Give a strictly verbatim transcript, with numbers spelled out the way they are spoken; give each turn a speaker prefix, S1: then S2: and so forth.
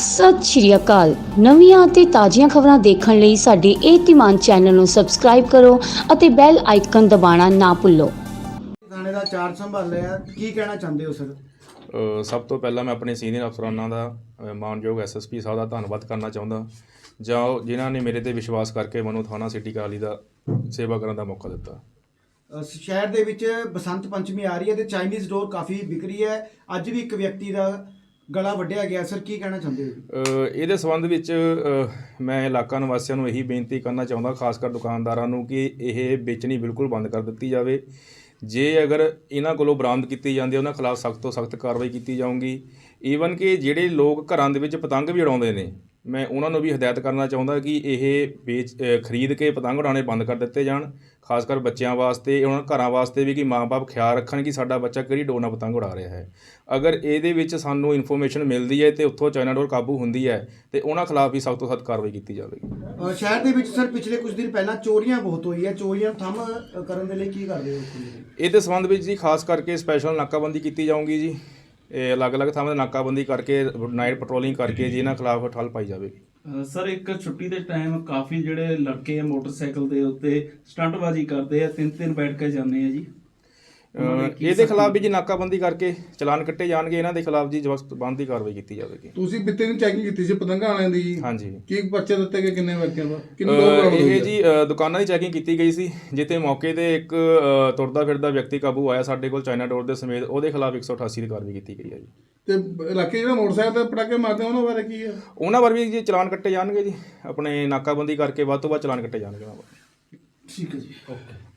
S1: ਸਤਿ ਸ਼੍ਰੀ ਅਕਾਲ। ਨਵੀਆਂ ਅਤੇ ਤਾਜ਼ੀਆਂ ਖਬਰਾਂ ਦੇਖਣ ਲਈ ਸਾਡੇ ਇਹ ਧੀਮਾਨ ਚੈਨਲ ਨੂੰ ਸਬਸਕ੍ਰਾਈਬ ਕਰੋ ਅਤੇ ਬੈਲ ਆਈਕਨ ਦਬਾਉਣਾ ਨਾ ਭੁੱਲੋ।
S2: ਥਾਣੇ ਦਾ ਚਾਰਜ ਸੰਭਾਲਿਆ, ਕੀ ਕਹਿਣਾ ਚਾਹੁੰਦੇ ਹੋ ਸਰ?
S3: ਅ, ਸਭ ਤੋਂ ਪਹਿਲਾਂ ਮੈਂ ਆਪਣੇ ਸੀਨੀਅਰ ਅਫਸਰਾਨਾਂ ਦਾ ਅ, ਮਾਨਯੋਗ ਐਸ ਐਸ ਪੀ ਸਾਹਿਬ ਦਾ ਧੰਨਵਾਦ ਕਰਨਾ ਚਾਹੁੰਦਾ, ਜਾਂ ਜਿਨ੍ਹਾਂ ਨੇ ਮੇਰੇ ਤੇ ਵਿਸ਼ਵਾਸ ਕਰਕੇ ਮੈਨੂੰ ਥਾਣਾ ਸਿਟੀ ਕਾਲੀ ਦਾ ਸੇਵਾ ਕਰਨ ਦਾ ਮੌਕਾ ਦਿੱਤਾ।
S2: ਅ, ਸ਼ਹਿਰ ਦੇ ਵਿੱਚ ਬਸੰਤ ਪੰਚਮੀ ਆ ਰਹੀ ਹੈ ਤੇ ਚਾਈਨੀਜ਼ ਡੋਰ ਕਾਫੀ ਵਿਕ ਰਹੀ ਹੈ। ਅੱਜ ਵੀ ਇੱਕ ਵਿਅਕਤੀ ਦਾ ਗਲਾ ਵੱਢਿਆ ਗਿਆ ਸਰ, ਕੀ ਕਹਿਣਾ ਚਾਹੁੰਦੇ ਹੋ?
S3: ਅ, ਇਹਦੇ ਸੰਬੰਧ ਵਿੱਚ ਅ, ਮੈਂ ਇਲਾਕਾ ਨਿਵਾਸੀਆਂ ਨੂੰ ਇਹੀ ਬੇਨਤੀ ਕਰਨਾ ਚਾਹੁੰਦਾ, ਖਾਸ ਕਰ ਦੁਕਾਨਦਾਰਾਂ ਨੂੰ, ਕਿ ਇਹ ਵੇਚਣੀ ਬਿਲਕੁਲ ਬੰਦ ਕਰ ਦਿੱਤੀ ਜਾਵੇ। ਜੇ ਅਗਰ ਇਹਨਾਂ ਕੋਲੋਂ ਬਰਾਮਦ ਕੀਤੀ ਜਾਂਦੀ ਹੈ, ਉਹਨਾਂ ਖਿਲਾਫ ਸਖਤ ਤੋਂ ਸਖਤ ਕਾਰਵਾਈ ਕੀਤੀ ਜਾਊਗੀ। ਈਵਨ ਕਿ ਜਿਹੜੇ ਲੋਕ ਘਰਾਂ ਦੇ ਵਿੱਚ ਪਤੰਗ ਵੀ ਉਡਾਉਂਦੇ ਨੇ, ਮੈਂ ਉਹਨਾਂ ਨੂੰ ਵੀ ਹਦਾਇਤ ਕਰਨਾ ਚਾਹੁੰਦਾ ਕਿ ਇਹ ਵੇਚ ਖਰੀਦ ਕੇ ਪਤੰਗ ਉਡਾਉਣੇ ਬੰਦ ਕਰ ਦਿੱਤੇ ਜਾਣ, ਖਾਸ ਕਰ ਬੱਚਿਆਂ ਵਾਸਤੇ, ਉਹਨਾਂ ਘਰਾਂ ਵਾਸਤੇ ਵੀ, ਕਿ ਮਾਂ-ਬਾਪ ਖਿਆਲ ਰੱਖਣ ਕਿ ਸਾਡਾ ਬੱਚਾ ਕਿਹੜੀ ਡੋਰ ਨਾਲ ਪਤੰਗ ਉਡਾ ਰਿਹਾ ਹੈ। ਅਗਰ ਇਹਦੇ ਵਿੱਚ ਸਾਨੂੰ ਇਨਫੋਰਮੇਸ਼ਨ ਮਿਲਦੀ ਹੈ ਤੇ ਉੱਥੋਂ ਚਾਈਨਾ ਡੋਰ ਕਾਬੂ ਹੁੰਦੀ ਹੈ ਤੇ ਉਹਨਾਂ ਖਿਲਾਫ ਵੀ ਸਖਤ ਤੋਂ ਸਖਤ ਕਾਰਵਾਈ ਕੀਤੀ ਜਾਵੇਗੀ।
S2: ਅ, ਸ਼ਹਿਰ ਦੇ ਵਿੱਚ ਸਰ ਪਿਛਲੇ ਕੁਝ ਦਿਨ ਪਹਿਲਾਂ ਚੋਰੀਆਂ ਬਹੁਤ ਹੋਈ ਹੈ, ਚੋਰੀਆਂ ਥੰਮ ਅ, ਕਰਨ ਦੇ ਲਈ ਕੀ ਕਰਦੇ ਹੋ?
S3: ਇਹਦੇ ਸੰਬੰਧ ਵਿੱਚ ਜੀ ਖਾਸ ਕਰਕੇ ਸਪੈਸ਼ਲ ਨਾਕਾਬੰਦੀ ਕੀਤੀ ਜਾਊਗੀ ਜੀ। ਇਹ ਅਲੱਗ-ਅਲੱਗ ਥਾਵਾਂ 'ਤੇ ਨਾਕਾਬੰਦੀ ਕਰਕੇ, ਨਾਈਟ ਪੈਟਰੋਲਿੰਗ ਕਰਕੇ ਜੀ ਇਹਨਾਂ ਖਿਲਾਫ ਠੱਲ ਪਾਈ ਜਾਵੇਗੀ।
S4: ਅਹ ਸਰ, ਇੱਕ ਛੁੱਟੀ ਦੇ ਟਾਈਮ ਕਾਫੀ ਜਿਹੜੇ ਲੜਕੇ ਆ ਮੋਟਰਸਾਈਕਲ ਦੇ ਉੱਤੇ ਸਟੰਟਬਾਜ਼ੀ ਕਰਦੇ ਆ, ਤਿੰਨ ਤਿੰਨ ਬੈਠ ਕੇ ਜਾਂਦੇ ਆ ਜੀ।
S3: ਅ, ਇਹਦੇ ਖਿਲਾਫ ਵੀ ਜੀ ਨਾਕਾਬੰਦੀ ਕਰਕੇ ਚਲਾਨ ਕੱਟੇ ਜਾਣਗੇ। ਇਹਨਾਂ ਦੇ ਖਿਲਾਫ ਜੀ ਜ਼ਬਰਦਸਤ ਦੀ ਕਾਰਵਾਈ ਕੀਤੀ ਜਾਵੇਗੀ।
S5: ਤੁਸੀਂ ਬਿੱਤੇ ਦੀ ਚੈਕਿੰਗ ਕੀਤੀ ਸੀ ਪਤੰਗਾਂ ਵਾਲਿਆਂ ਦੀ ਜੀ?
S3: ਹਾਂਜੀ।
S5: ਕੀ ਬੱਚੇ ਦਿੱਤੇ ਗਏ, ਕਿੰਨੇ ਵਿਅਕਤੀਆਂ ਦਾ, ਕਿੰਨੇ
S3: ਅ,
S5: ਲੋਕ ਬਰਾਮਦ ਹੋਏ?
S3: ਇਹ ਜੀ ਅ, ਦੁਕਾਨਾਂ ਦੀ ਚੈਕਿੰਗ ਕੀਤੀ ਗਈ ਸੀ, ਜਿੱਥੇ ਮੌਕੇ ਤੇ ਇੱਕ ਅ, ਤੁਰਦਾ ਫਿਰਦਾ ਵਿਅਕਤੀ ਕਾਬੂ ਆਇਆ ਸਾਡੇ ਕੋਲ ਚਾਈਨਾ ਡੋਰ ਦੇ ਸਮੇਤ। ਉਹਦੇ ਖਿਲਾਫ ਇੱਕ ਸੌ ਅਠਾਸੀ ਦੀ ਕਾਰਵਾਈ ਕੀਤੀ ਗਈ ਹੈ ਜੀ।
S5: ਤੇ ਇਲਾਕੇ ਜਿਹੜਾ ਮੋਟਰਸਾਈਕਲ ਤੇ ਪਟਾਕੇ ਮਾਰਦੇ ਉਹਨਾਂ ਬਾਰੇ ਕੀ ਹੈ?
S3: ਉਹਨਾਂ ਬਾਰੇ ਵੀ ਜੀ ਚਲਾਨ ਕੱਟੇ ਜਾਣਗੇ ਜੀ। ਆਪਣੇ ਨਾਕਾਬੰਦੀ ਕਰਕੇ ਵੱਧ ਤੋਂ ਵੱਧ ਚਲਾਨ ਕੱਟੇ ਜਾਣਗੇ ਉਹਨਾਂ ਬਾਰੇ।
S4: ਠੀਕ ਹੈ ਜੀ, ਓਕੇ।